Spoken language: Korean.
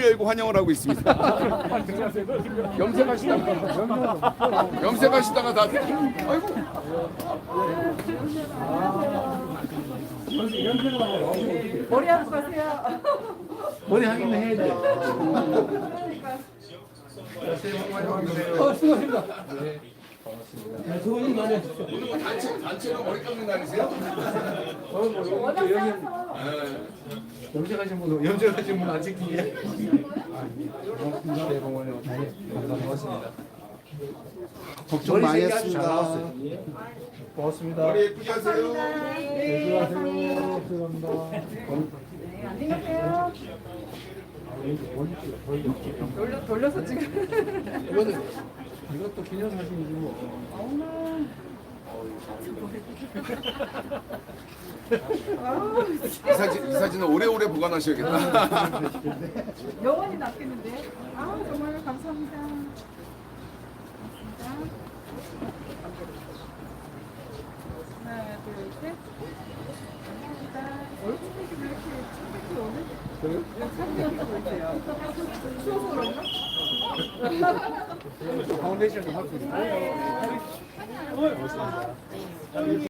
열고 환영을 하고 있습니다. 염색하시다가 다 아이고. 머리 하고 가세요. 머리 하기는 해야 돼. 수고하십니다. 네, 수고님 많이 해주세요. 오늘 뭐 단체로 머리 감는 날이세요? 염색하신 분 안 찍히게. 새해 복 많이 받으세요. 고맙습니다. 걱정 많이 했습니다. 고맙습니다. 머리 예쁘게 하세요. 네, 수고하세요. 감사합니다. 안녕하세요. 돌려서 지금. 이것도 기념사진이지 뭐. 이 사진은 오래오래 보관하셔야겠다. 영원히 낫겠는데요? 정말 감사합니다. 하나, 둘, 셋. 감사합니다. 얼굴이 왜 이렇게 창백해 오늘? 창백해 보이세요? 추워서 그런가? 파운데이션 좀 하고 있어요.